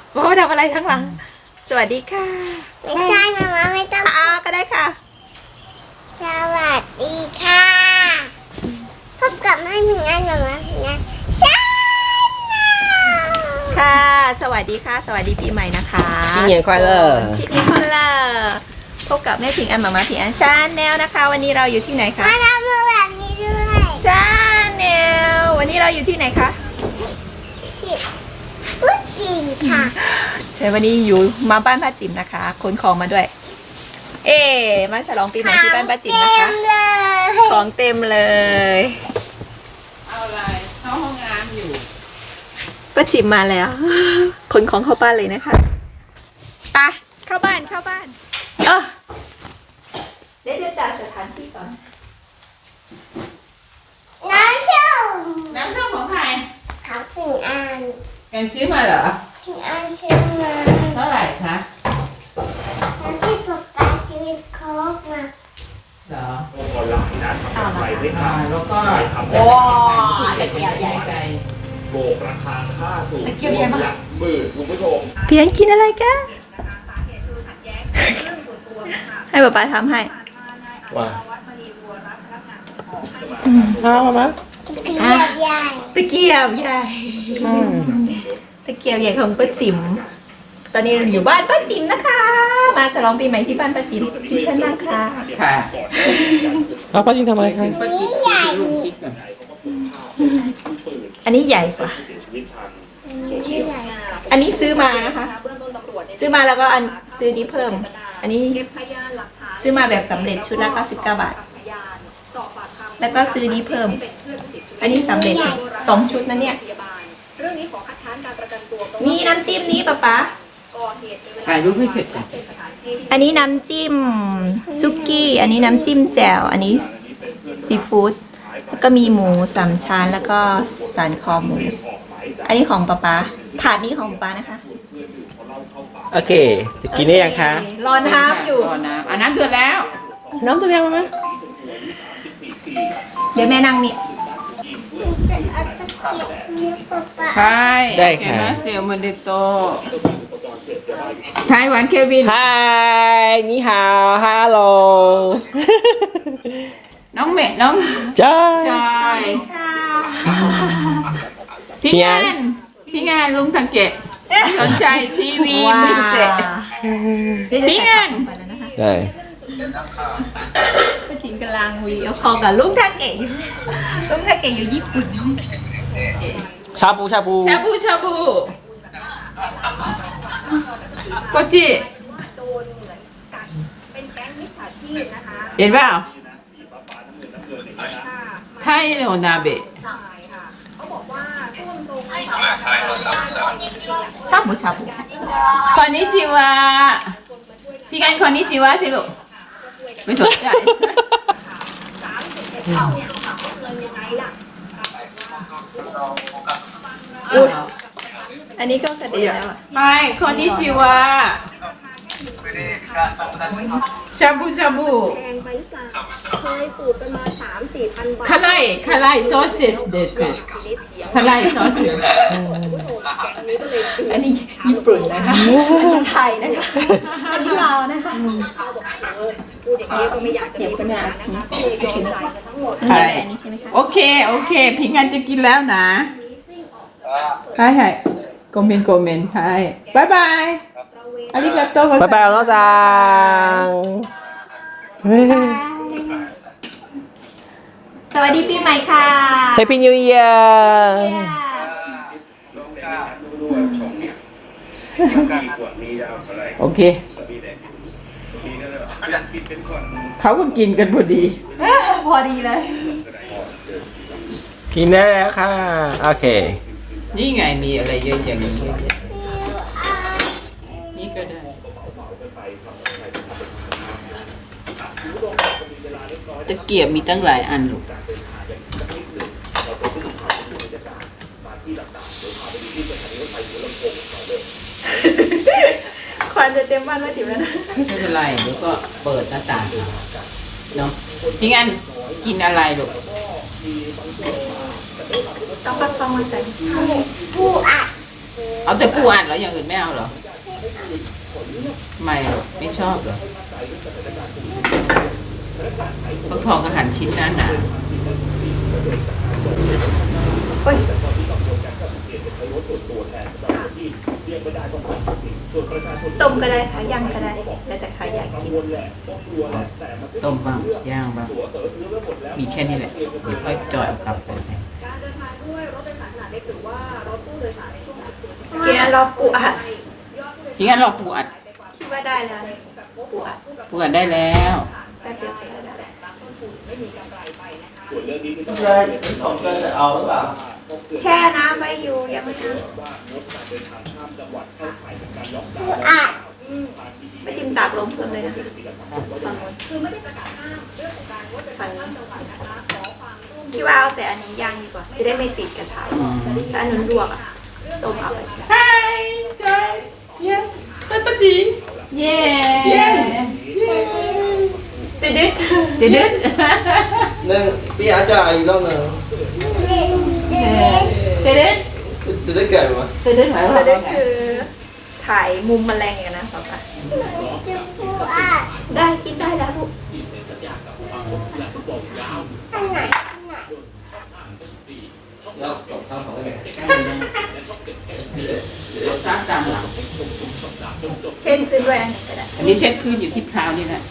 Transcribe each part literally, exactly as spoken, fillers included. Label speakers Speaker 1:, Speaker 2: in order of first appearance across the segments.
Speaker 1: ว่ามาทำอะไรทั้งหลังสวัสดีค่ะ
Speaker 2: ไม่ใช่มาม่าไม่ต้อง
Speaker 1: อ่าก็ได้ค่ะ
Speaker 2: สวัสดีค่ะพบกับแม่หนึ่งอันมาม่าหนึ่งอันใช่
Speaker 1: ค่ะสวัสดีค่ะสวัสดีปีใหม่นะคะ
Speaker 3: 新年快乐
Speaker 1: 新年快乐พบกับแม่ผิงอันมาม่าผิงอันชาแนลนะคะวันนี้เราอยู่ที่ไหนคะ
Speaker 2: มาทำมือแบบนี้ด้วย
Speaker 1: ชาแนลวันนี้เราอยู่ที่ไหนคะ
Speaker 2: ที่ปุ๊บจีค่ะ
Speaker 1: ใช่วันนี้อยู่มาบ้านป้าจิ๋มนะคะขนของมาด้วยเอ๊มาฉลองปีใหม่ที่บ้านป้าจิ๋มนะคะของเต็มเลย
Speaker 3: เอาอะไรเข้าห้องน้ำอยู่
Speaker 1: ป้าจิ๋มมาแล้วขนของเข้าบ้านเลยนะคะไปเข้าบ้านเข้าบ้านเออเดี๋ยวจะจัดสถานที่ก่อน
Speaker 2: น้ำส้ม
Speaker 3: น้ำส้มของใคร
Speaker 2: เขาถึงอัน
Speaker 3: กันซื้อมาเหรอ
Speaker 2: ถึงอันซื้อมา
Speaker 3: เท่าไหร่คะ
Speaker 2: แล้วที่ป๊าป๊าซื้อโค้กมา
Speaker 3: เหรอ
Speaker 4: ออนไลน์นะทำอะไรไม่ทำ
Speaker 3: แล้วก็
Speaker 1: ว้าวตะเกียบใหญ่ใจ
Speaker 4: โบกราคาค่าสูงหลักหมื่นคุณผู้ชม
Speaker 1: เพียงกินอะไรกันให้ป๊าป๊าทำให้
Speaker 4: ว่า
Speaker 3: เอามา
Speaker 2: ตะเกียบใหญ่
Speaker 1: ตะเกียบใหญ่ตะเกียบใหญ่ของป้าจิ๋มตอนนี้เราอยู่บ้านป้าจิ๋มนะคะมาฉลองปีใหม่ที่บ้านป้าจิ๋มที่ชั้นนั่งค่ะ
Speaker 3: ค่ะ
Speaker 1: เอา
Speaker 3: ป้าจิ๋มทำอะไรคะ
Speaker 2: อันนี้ใหญ่
Speaker 1: อันนี้ใหญ่กว่าอันนี้ซื้อมานะคะซื้อมาแล้วก็อันซื้อนี้เพิ่มอันนี้ซื้อมาแบบสำเร็จชุดละเก้าสิบเก้าบาทแล้วก็ซื้อนี้เพิ่มอันนี้สำเร็จสองชุดนะเนี่ยมีน้ำจิ้มนี้ป๊าป๊า
Speaker 3: ถ่ายรูปให้เสร็จก่อน
Speaker 1: อันนี้น้ำจิ้มซุกี้อันนี้น้ำจิ้มแจ่วอันนี้ซีฟู้ดแล้วก็มีหมูสามชั้นแล้วก็สันคอหมูอันนี้ของป๊าป๊าถาดนี้ของป๊าป๊านะคะ
Speaker 3: โอเคจะกินได้ยังคะ
Speaker 1: รอน้ำอยู่
Speaker 3: รอน้ำอ่ะน้ำเดือดแล้วน้ำเดือดแล้วมั้ย
Speaker 1: เดี๋ยวแม่นั่งนี่
Speaker 3: ใช่ได้ค่ะมาสเตลโมเดโตไต้หวันเควินไฮนี่ฮาวฮัลโหลน้องเมย์น้อง
Speaker 1: จอย
Speaker 3: จอยพี่งานพี่งานลุงทังเกะสนใจทีวีมิสเตอร์พี่งาน
Speaker 1: ได้ป้าจิ๋มกำลังวีเอาคอกับลุงทังเกะอยู่ลุงทังเกะอยู่ญี่ปุ่น
Speaker 3: ชาบูชาบูชาบูชาบูโกจิเห็นเปล่าไทยโนนาเบะ
Speaker 1: ชาบูชาบู
Speaker 3: คอนนิจิวะพี่กันคอนนิจิวะสิลูกไม่สนใจ
Speaker 1: อันนี้ก็กระเด็นแล้วอ่ะ
Speaker 3: ไม่คอนนิจิวะชาบูชาบูแพงไปหรือเปล่าเคยสูตรกันมาสามสี่พันบาทคาไลคาไลซอสเซสเดสคาไลซอสเซส
Speaker 1: อันนี้ญี่ปุ่นนะคะอันนี้ไทยนะคะอันนี้ลาวนะคะพูดอย่างนี้ก็ไม่อยากจะเก็บกันนะใช่อันนี้ใช่ไหมคะ
Speaker 3: โอเคโอเคพิงกันจะกินแล้วนะใช่ใช่คอมเมนต์คอมเมนต์ใช่บายบายอาริกาโตะ
Speaker 1: บายบายน้องซังสวัสดีปีใหม่ค่ะ
Speaker 3: Happy New Year โอเคเขาก็กินกันพอดี
Speaker 1: พอดีเลย
Speaker 3: กินได้แล้วค่ะโอเคนี่ไงมีอะไรเยอะอย่างนี้นี่ก็ได้ตะเกียบมีตั้งหลายอันลูก
Speaker 1: ควันจะเต็มบ้านแล้วจิ๋วแล้วนะ
Speaker 3: ไม่เป็นไรแล้วก็เปิดหน้าต่างเนาะพี่งั้นกินอะไรลูก
Speaker 1: ต้องปักฟองมาใส่
Speaker 2: ปูอัด
Speaker 3: เอาแต่ปูอัดเหรออย่างอื่นไม่เอาเหรอไม่อะไม่ชอบเหรอฟักทองกับหั่นชิ้นนั้นน่ะ
Speaker 1: โอ้ยต้มก็ได้ค่ะย่างก็ได้แล้วแต่ใครอยากกิน
Speaker 3: ต้มบ้างย่างบ้างมีแค่นี้แหละเดี๋ยวค่อยจอยเอากลับไป
Speaker 1: เกียร์รอปูอัด
Speaker 3: จริงๆเราปูอัด
Speaker 1: คิดว่าได้แล้วปูอัด
Speaker 3: ปูอัดได้แล้ว
Speaker 1: แป๊บเดียวก็ได้แล้ว
Speaker 5: เลยของเกินจะเอาหรือเปล่า
Speaker 1: แช่น้ำไว้อยู่ยังไม่ถึง
Speaker 2: ปูอัด
Speaker 1: ไม่จิ้มตากลมเพิ่มเลยนะฝั่งนู้นฝั่งนู้นพี่ว่าเอาแต่อันนี้ย่างดีกว่าจะได้ไม่ติดกระทะถ้าอันนู้นลวกอะต้มเอาไป
Speaker 3: Hi guys yeah ป้าจีเย้
Speaker 1: ติดดิด
Speaker 3: เด็ดเด็ด
Speaker 5: หนึ่งพี่อาจจะอีกรอบหนึ่ง
Speaker 3: เด็ดเด็ด
Speaker 5: จะได้เกิดไหม
Speaker 3: เด็ดเด็ดหมายความ
Speaker 1: ติดดิ
Speaker 3: ว่า
Speaker 1: ด
Speaker 3: ไง
Speaker 1: คือถ่ายมุมแมลงอย่างนั้นป่ะ
Speaker 2: กินปูอัด
Speaker 1: ได้กินได้แล้วลูก
Speaker 2: อันไหนอันไหน
Speaker 5: แล้วของข้าวของอะไร
Speaker 3: ซักตามหลัง
Speaker 1: เช่นขึ้นด้วยอันนี้ก็ได้
Speaker 3: อันนี้เช็ดพื้นอยู่ที่พราวนี่แหละ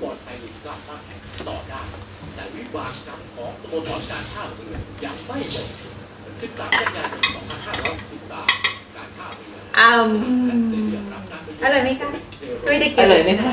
Speaker 4: แต่วิบากกรรมของสโมสรการท่าเรือยังไม่หมดสิบสามกันยายนสองพันห้าร้อยสิบสามการท่าเรือ
Speaker 1: อ้าวอร่อยไหมคะไม่ได้
Speaker 3: อ
Speaker 1: กิน
Speaker 3: ร่อยไหมคะ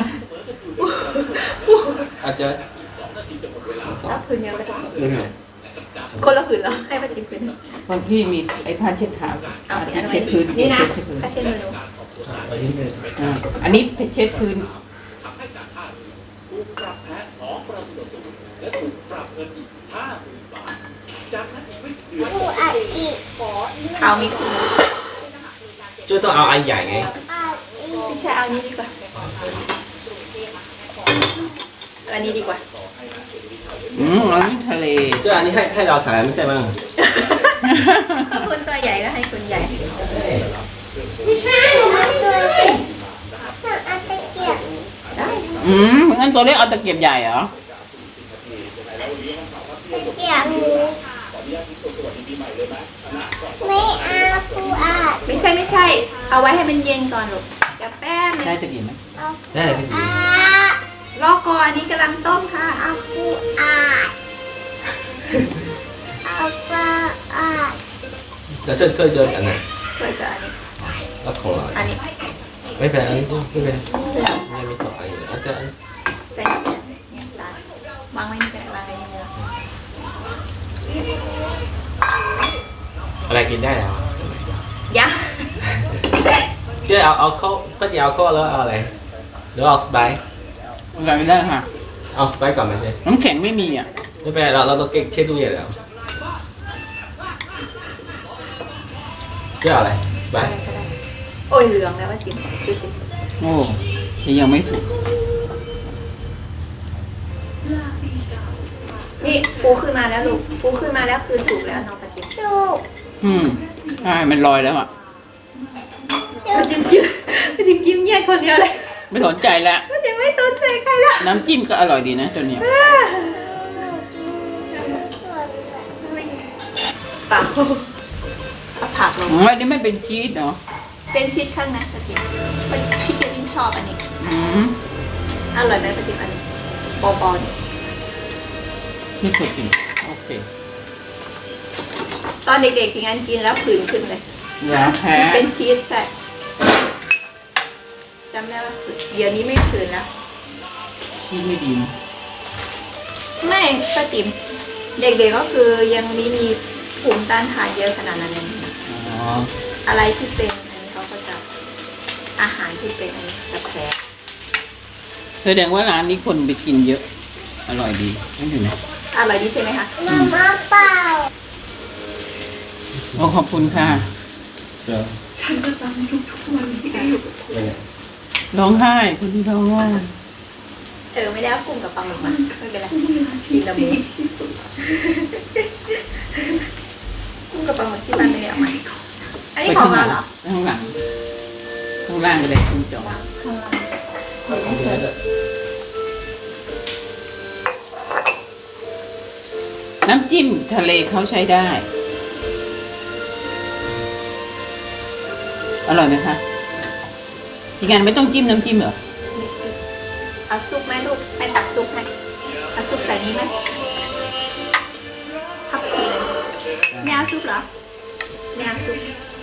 Speaker 5: อาจจะ
Speaker 1: รับผืนเดียวกัน
Speaker 5: หนึ่ง
Speaker 1: คนละผืนเหรอให้ป้าจิ๊บผืน
Speaker 3: บางที่มีไอ้ผ้าเช็ดเท้า
Speaker 1: เอา
Speaker 3: อัน
Speaker 1: อั
Speaker 3: ที่
Speaker 1: น
Speaker 3: เช็ดพื้น
Speaker 1: นี่นะ
Speaker 3: เช็ดพื้น
Speaker 1: ถ้าเช่นเมนู
Speaker 5: ไปที่หนึ่ง
Speaker 3: อ่าอันนี้เช็ดพื้น
Speaker 4: ทำให้การท่าเรือถูกปรับแพ้สองประตูต่อศูนย์และถูกปรับเงินอีกห้าหมื่นบาทจากนั้นอีกไม่กี่เดือน
Speaker 2: ปูอัดอีก
Speaker 1: ข้าวมีคือ
Speaker 5: จุดต้องเอาอันใหญ่ไง
Speaker 2: อัดอีก
Speaker 1: พี่ชายเอานี้ดีกว่าอันนี้ดีกว่า
Speaker 3: อืมอันนี้ทะเล
Speaker 5: จุดอันนี้ให้ให้เราใส่ไม่ใช่มั้ง
Speaker 1: ถ้าคนตัวใหญ่ก็ให้คนใหญ่
Speaker 2: ไม่ใช่หนูเอาตัวเล็กหนูเอาตะเกียบ
Speaker 1: ได้
Speaker 3: อืมงั้นตัวเล็กเอาตะเกียบใหญ่เหรอ
Speaker 2: ตะเกียบนี้ไม่เอาปูอัด
Speaker 1: ไม่ใช่ไม่ใช่ เอาไว้ให้มันเย็นก่อนลูกเดี๋ยวแป๊บนึง
Speaker 3: ได้ตะเกียบไหม
Speaker 2: เอา
Speaker 5: ได้เลยพี่
Speaker 2: อัด
Speaker 1: รอก่อนอันนี้กำลังต้มค่ะ
Speaker 2: เอาปูอัดเอาปลาอัด
Speaker 5: แล้วช่วยช่วยเดินอันไหน
Speaker 1: เพื่อจะอันนี้
Speaker 5: แล้วของเรา
Speaker 1: อันนี้
Speaker 5: ไม่เป็นอันนี้ไม่เป็นไม่มีสองอันอยู่อาจจะ
Speaker 1: ใส่เนี่ยจานวางไว้นี่ก็ได้วางไว้นี่เลย
Speaker 5: อะไรกินได้แล้ว
Speaker 1: ยะ
Speaker 5: เจ๊เอาเอาข้าวก็จะเอาข้าวแล้วเอาอะไรหรือเอาสไปซ์
Speaker 3: อะไรไม่ได้ค่ะ
Speaker 5: เอาสไปซ์ก่อนไหมเจ๊
Speaker 3: น้ำแข็งไม่มีอ่ะ
Speaker 5: ไม่เป็นไรเราเราต้องเก็บเช็ดตู้เย็นแล้วเจ๊เอาอะไรสไป
Speaker 1: อะไร
Speaker 5: ซ์
Speaker 1: ก็ได้โอ้ยเหลืองแล้วว่าจิ้มดูสิ
Speaker 3: โอ้ยยังไม่สุก
Speaker 1: นี่ฟูขึ้นมาแล้วลูกฟูขึ้นมาแล้วคือสุกแล้วน้องปะจิ้ม
Speaker 2: สุก
Speaker 3: อืมใช่มันลอยแล้วอ่ะ
Speaker 1: ปะจิ้มกินปะจิ้มกินเงียบคนเดียวเลย
Speaker 3: ไม่สนใจแล้ว
Speaker 1: ปะจิ้มไม่สนใจใครแล้ว
Speaker 3: น้ำจิ้มก็อร่อยดีนะตัวเนี้ย
Speaker 2: หนูกินส่วนแบบ
Speaker 1: เปล่าเอาผักลง
Speaker 3: อ๋ออันนี้ไม่เป็นชีสเนาะ
Speaker 1: เป็นชีสข้างในปะจิ้มพี่เกวินชอบอันนี้
Speaker 3: อืม
Speaker 1: อร่อยไหมปะจิ้มอันนี้ปอๆนี่
Speaker 3: นี่สุดจริงโอเค
Speaker 1: ตอนเด็กๆที่งั้นกินแล้วผื่นขึ้นเลย
Speaker 3: อย่าแพ้
Speaker 1: เป็นชีสใช่จำได้ว่าผื่นเดี๋ยวนี้ไม่ผื่นแล้ว
Speaker 3: ชีสไม่ดีนะ
Speaker 1: ไม่ป้าจิ๋มเด็กๆก็คือยังมีมีภูมิต้านทานเยอะขนาดนั้นเลยนะ
Speaker 3: อ๋อ
Speaker 1: อะไรที่เป็นอันนี้เขาก็จะอาหารที่เป็นอันนี้จะแพ้
Speaker 3: แสดงว่าร้านนี้คนไปกินเยอะ อร่อยดีนั่นอยู่นะ
Speaker 1: อร่อยดีใช่ไหมคะ
Speaker 2: มาม่าเปล่า
Speaker 3: โอ้ขอบคุณค่ะ
Speaker 5: เดี๋ยว
Speaker 3: ร้องไห้คุณที่ร้องไห้
Speaker 1: เออไม่ได้เอากุ้งกับปลาหมึกมาไม่เป็นไรกินละหมูกุ้งกับปลาหมึกที่บ้านไม่ได้เอามาอันนี้ของเราเหรอ
Speaker 3: ข้างหลังข้างล่างก็ได้คุณจอน้ำจิ้มทะเลเขาใช้ได้ อร่อยไหมคะทีงานไม่ต้องจิ้มน้ำจิ้มเหรอ
Speaker 1: เอาซุปไหมลูกให้ตักซุปให้เอาซุปใส่นี้ไหมทับพีไม่เอาซุปเหรอไม่เอาซุป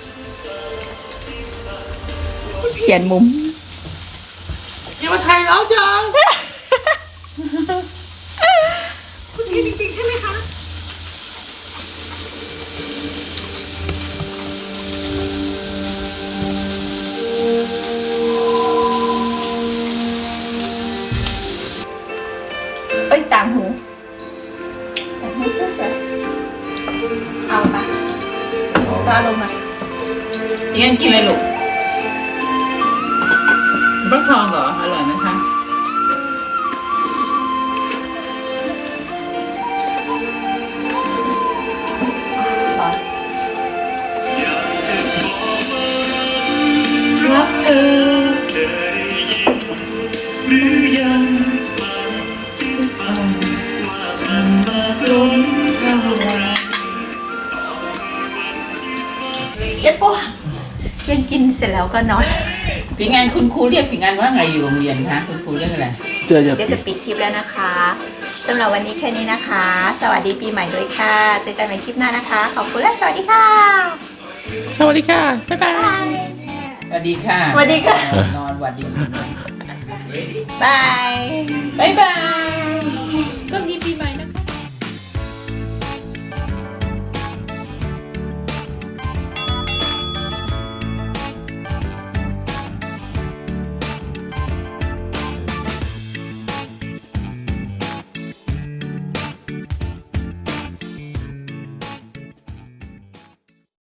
Speaker 1: เปลี่ยนมุม
Speaker 3: อย่ามาถ่ายเราจัง
Speaker 1: เอ้ยต่างหูต่างหูสวยๆเอาปะก็เอาลงมา
Speaker 3: ทีงานกินอะไรลูกฟักทองเหรอ อร่อยไหมคะ
Speaker 1: รักเธอเย็บปะเย็นกินเสร็จแล้วก็นอน
Speaker 3: ปีงานคุณครูเรียกปีงานว่าไงอยู่โรงเรียนคะคุณครูเรียกอะไร
Speaker 5: เดี๋ยวจะ
Speaker 1: เดี๋ยวจะปิดคลิปแล้วนะคะสำหรับวันนี้แค่นี้นะคะ สวัสดีปีใหม่ด้วยค่ะเจอกันใหม่คลิปหน้านะคะ ขอบคุณและสวัสดีค่ะ
Speaker 5: สวัสดีค่ะ บ๊ายบาย
Speaker 3: สวัสดีค่ะ
Speaker 1: สวัสดีค่ะ
Speaker 3: นอนสวัสดี
Speaker 1: บาย
Speaker 3: บ๊ายบายก็มีปีใหม่นะ